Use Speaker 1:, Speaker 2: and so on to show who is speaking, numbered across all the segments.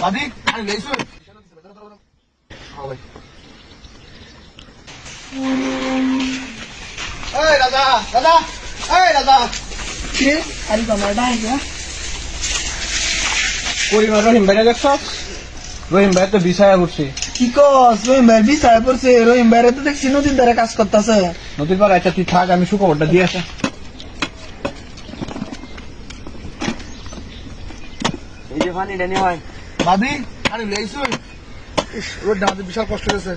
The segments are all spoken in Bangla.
Speaker 1: ভাবি আমি লেইছো এই দাদা দাদা এই দাদা
Speaker 2: কে আরে তোমার ভাই না
Speaker 1: পরিবার রহিম ভাই দেখছ রহিম ভাই তো বিছায়া পড়ছে
Speaker 2: কি কস রহিম ভাই বিছায় পড়ছে রহিম ভাই তো দেখছি নদীর ধারে কাজ করতেছে
Speaker 1: নদীর পাড়ে আচ্ছা তুই থাক আমি সুখবরটা দিয়ে আসা
Speaker 3: এই যে পানি ডানি হয়
Speaker 1: ভাবি আমি লেইছো রোডটা আমাদের বিশাল কষ্ট হয়েছে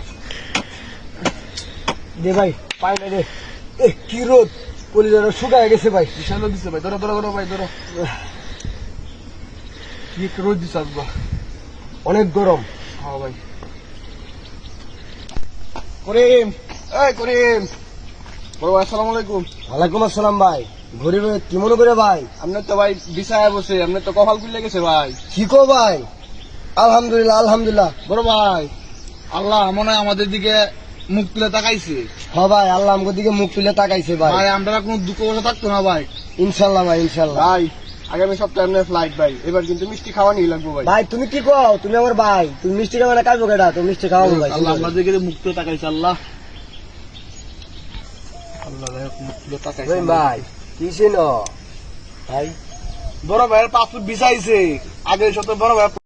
Speaker 3: দে ভাই পাই না রে কি রোদ পলিদারা শুকায় গেছে ভাই
Speaker 1: বিশাল রোদ দিচ্ছে ভাই ধরো ধরো ধরো ভাই ধরো কি একটা রোদ দিচ্ছে আসবা
Speaker 3: অনেক গরম।
Speaker 1: হ্যাঁ ভাই করিম এই করিম বড় ভাই আসসালামু আলাইকুম
Speaker 3: ওয়ালাইকুম আসসালাম ভাই। গরিব কি মনে করে ভাই?
Speaker 1: আপনি তো ভাই বিছায়া বসে আপনি তো কপাল খুলে গেছে ভাই
Speaker 3: কি কো ভাই? আলহামদুলিল্লাহ আলহামদুলিল্লাহ।
Speaker 1: বড় ভাই আল্লাহ মনে হয় আমাদের দিকে মুখ তুলে তাকাইছে
Speaker 3: হ ভাই আল্লাহ আমাকে দিকে মুখ তুলে তাকাইছে ভাই।
Speaker 1: ভাই আমরা কোনো দুঃখ বসে থাকতো না ভাই
Speaker 3: ইনশাল্লাহ ভাই ইনশাল্লাহ।
Speaker 1: ভাই আগামী সপ্তাহে আপনার ফ্লাইট ভাই এবার কিন্তু মিষ্টি খাওয়া নিয়ে লাগবো ভাই
Speaker 3: ভাই তুমি কি কও? তুমি আমার ভাই, তুমি মিষ্টি খাবে না কাজবো কেটা? তুমি মিষ্টি খাওয়াবো ভাই।
Speaker 1: আল্লাহ আমাদেরকে মুখ তুলে তাকাইছে আল্লাহ আল্লাহ মুখ তুলে তাকাইছে
Speaker 3: রহিম ভাই কিসে ন ভাই?
Speaker 1: বড় ভাইয়ের পাসপোর্ট বিছাইছে আগের সপ্তাহে বড় ভাই